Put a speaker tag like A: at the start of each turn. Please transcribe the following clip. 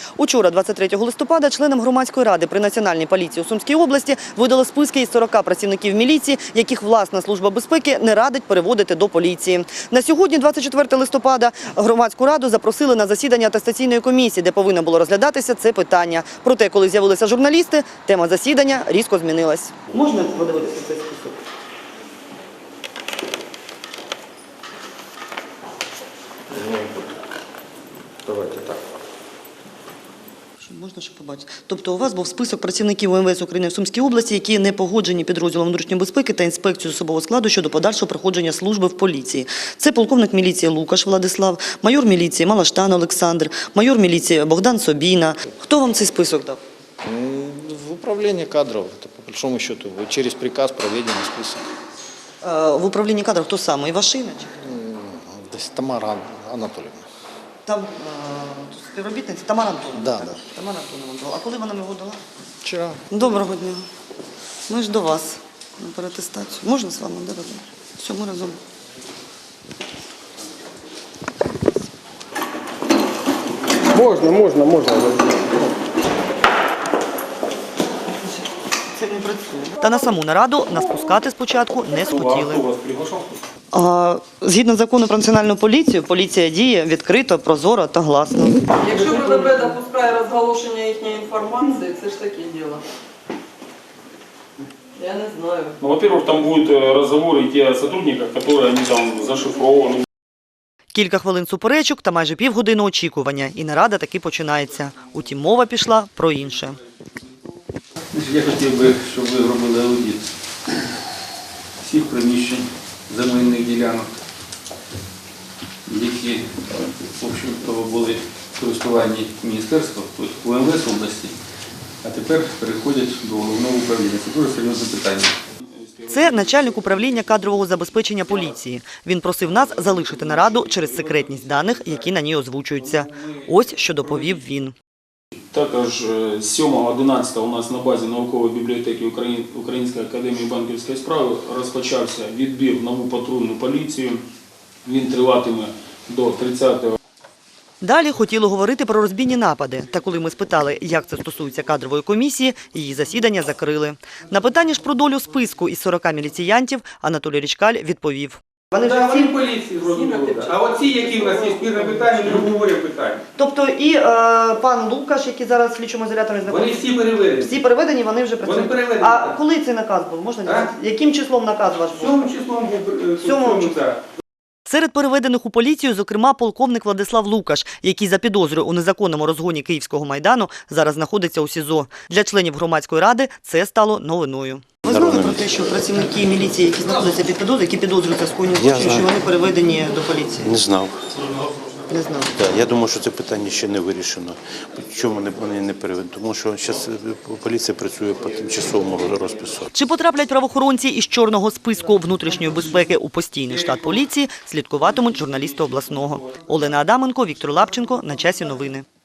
A: Учора, 23 листопада, членам громадської ради при Національній поліції у Сумській області видали списки із 40 працівників міліції, яких власна служба безпеки не радить переводити до поліції. На сьогодні, 24 листопада, громадську раду запросили на засідання атестаційної комісії, де повинно було розглядатися це питання. Проте, коли з'явилися журналісти, тема засідання різко змінилась. Можна подивитися цей список?
B: Давайте так.
A: Можна ще побачити. Тобто у вас був список працівників УМВС України в Сумській області, які не погоджені підрозділом внутрішньої безпеки та інспекцією особового складу щодо подальшого проходження служби в поліції. Це полковник міліції Лукаш Владислав, майор міліції Малаштан Олександр, майор міліції Богдан Собіна. Хто вам цей список дав?
B: В управлении кадров, это по большому счету, через приказ проведен список.
A: В управлінні кадрів хто саме? Івашина?
B: Тамара Анатольевна.
A: Там співробітниця Тамара Антонова.
B: Да.
A: Тамара Антонова дала. А коли вона його дала?
B: Вчера.
A: Доброго дня. Ми ж до вас на переатестацію. Можна з вами? Да, разом? Все, ми разом.
C: Можна.
A: Це не працює. Та на саму нараду нас пускати спочатку не схотіли. Згідно закону про національну поліцію, поліція діє відкрито, прозоро та гласно.
D: Якщо ВВП допускає розголошення їхньої інформації, це ж таке діло. Я не знаю.
E: Ну, во-первых, там будут разговоры идти о сотрудниках, которые они там зашифрованы.
A: Кілька хвилин суперечок та майже півгодини очікування. І нарада таки починається. Утім, мова пішла про інше.
F: Я хотів би, щоб ви робили аудит всіх приміщень земельних ділянок, які, в общем-то, були в користуванні міністерства, УМВС області, а тепер переходять до головного управління. Це дуже серйозне питання.
A: Це начальник управління кадрового забезпечення поліції. Він просив нас залишити нараду через секретність даних, які на ній озвучуються. Ось що доповів він.
E: Також 7-11 у нас на базі наукової бібліотеки Української академії банківської справи розпочався відбір в нову патрульну поліцію. Він триватиме до 30-го.
A: Далі хотіли говорити про розбійні напади. Та коли ми спитали, як це стосується кадрової комісії, її засідання закрили. На питання ж про долю списку із 40 міліціянтів Анатолій Річкаль відповів.
C: Вони ж всі поліції зрозуміли. А оці, які в нас є спірне питання, не обговорює питання.
A: Тобто і пан Лукаш, який зараз в слідчому ізоляторі
C: Вони
A: знаходиться?
C: всі переведені.
A: Всі переведені, вони вже працюють.
C: Вони переведені.
A: А коли цей наказ був? Можна дізнатися? Яким числом наказ ваш був?
C: 7 числом був.
A: 7 числа. Серед переведених у поліцію, зокрема, полковник Владислав Лукаш, який за підозрою у незаконному розгоні Київського Майдану зараз знаходиться у СІЗО. Для членів громадської ради це стало новиною. Ви знали про те, що працівники міліції, які знаходяться під підозрою, які підозрюються в скоєнні злочину, що вони переведені до поліції?
G: Не знав.
A: Не знав.
G: Я думаю, що це питання ще не вирішено. Чому вони не переведені? Тому що зараз поліція працює по тимчасовому розпису.
A: Чи потраплять правоохоронці із чорного списку внутрішньої безпеки у постійний штат поліції, слідкуватимуть журналісти обласного. Олена Адаменко, Віктор Лапченко. На часі новини.